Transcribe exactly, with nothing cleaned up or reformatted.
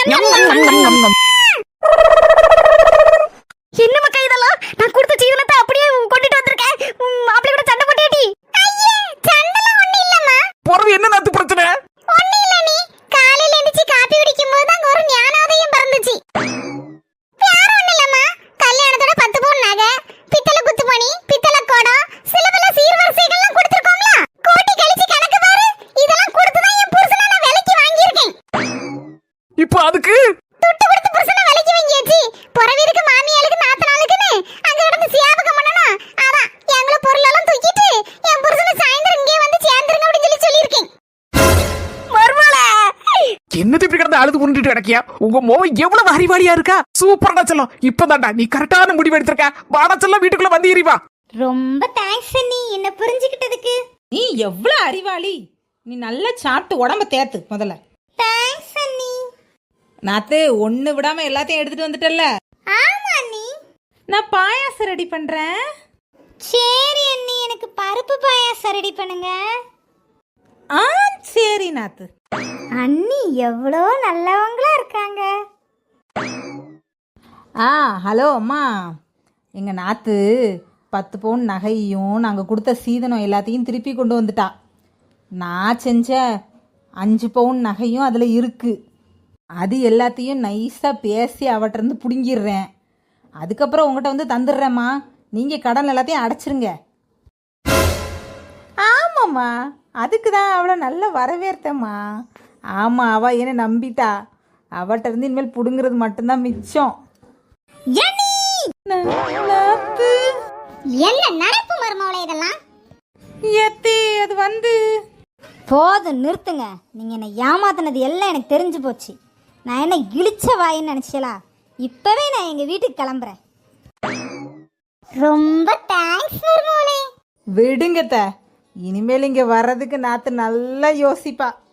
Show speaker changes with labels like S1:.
S1: என்ன மக்கா இதெல்லாம்? நான் கொடுத்த சீதனத்தை அப்படியே கொண்டுட்டு வந்திருக்கேன். மாப்பிள்ளை கூட சண்டை போட்டியாடி? ஐயே, சண்டைலாம் ஒண்ணு இல்லம்மா.
S2: போறது என்ன நாத்து பிரச்சனை?
S1: ஒண்ணு இல்ல நீ. காலையில எந்திரிச்சு காபி குடிக்கும்போது அங்க ஒரு ஞானோதயம் பிறந்துச்சு. வேற ஒண்ணு இல்லம்மா. கல்யாணத்தோட பத்து பவுன் நகை, பித்தளை குத்துமணி, பித்தளை குடம், சில பல சீர்வரிசைகள்லாம் கொடுத்திருக்கோம்ல. கோட்டி கழிச்சு கணக்கு பாரு. இதெல்லாம் கொடுத்து தான் என் புருஷனை நான் விலைக்கு வாங்கியிருக்கேன்.
S2: இப்போ அதுக்கு
S1: துட்டு கொடுத்து புருஷனை விலைக்கு வாங்கியாச்சு. புறவீருக்கு மாமியாளுக்கு நாத்தனாளுக்குன்னு அங்க கிடந்து சியாபகம் பண்ணனா. அதான் எங்கள பொருளெல்லாம் தூக்கிட்டு என் புருஷனை சாயந்தரம் இங்கே வந்து சேர்ந்துருங்க அப்படின்னு சொல்லி சொல்லியிருக்கேன். மர்மல
S2: என்னது இப்படி கிடந்து அழுது உருண்டுட்டு கிடக்கியா? உங்க மோவன் எவ்வளவு அறிவாளியா இருக்கா? சூப்பரா செல்லம். இப்பதான்டா நீ கரெக்டான முடிவு எடுத்திருக்க. வாடா செல்லம், வீட்டுக்குள்ள வந்து ஏறிவா.
S1: ரொம்ப தேங்க்ஸ் நீ என்ன புரிஞ்சுக்கிட்டதுக்கு.
S3: நீ எவ்வளவு அறிவாளி. நீ நல்லா சாப்பிட்டு உடம்ப தேத்து முதல்ல.
S1: தேங்க்ஸ் அண்ணி.
S3: நாத்து ஒண்ணு விடாம எல்லாத்தையும் எடுத்துட்டு வந்துட்டல்ல.
S1: ஆமா அண்ணி.
S3: நான் பாயாசம் ரெடி பண்றேன்.
S1: சரி அண்ணி, எனக்கு பருப்பு பாயாசம் ரெடி பண்ணுங்க.
S3: ஆ சரி நாத்து.
S1: அண்ணி எவ்வளோ நல்லவங்களா இருக்காங்க.
S3: ஆ ஹலோ அம்மா. எங்க நாத்து பத்து பவுன் நகையும் நாங்கள் கொடுத்த சீதனம் எல்லாத்தையும் திருப்பி கொண்டு வந்துட்டா. நான் செஞ்ச அஞ்சு பவுன் நகையும் அதில் இருக்குது. அது எல்லாத்தையும் நைஸாக பேசி அவட்டிருந்து பிடுங்கிடுறேன். அதுக்கப்புறம் உங்கள்கிட்ட வந்து தந்துடுறேம்மா. நீங்கள் கடன் எல்லாத்தையும் அடைச்சிருங்க. ஆமாம்மா, அதுக்கு தான் அவளை நல்லா வரவேற்றம்மா. ஆமாம், அவள் என்னை நம்பிட்டா. அவட்ட இருந்து இனிமேல் பிடுங்கிறது மட்டும்தான் மிச்சம்.
S1: என்ன நடப்பு மர்மவளை இதெல்லாம்?
S3: எத்தி அது வந்து
S1: போதும் நிறுத்துங்க. நீங்க என்ன ஏமாத்தினது எல்லாம் எனக்கு தெரிஞ்சு போச்சு. நான் என்ன இழிச்ச வாயின்னு நினைச்சலா? இப்பவே நான் எங்க வீட்டுக்கு கிளம்புறேன். ரொம்ப தேங்க்ஸ் மர்மவளை.
S3: விடுங்கத்த. இனிமேல் இங்கே வர்றதுக்கு நாத்து நல்லா யோசிப்பா.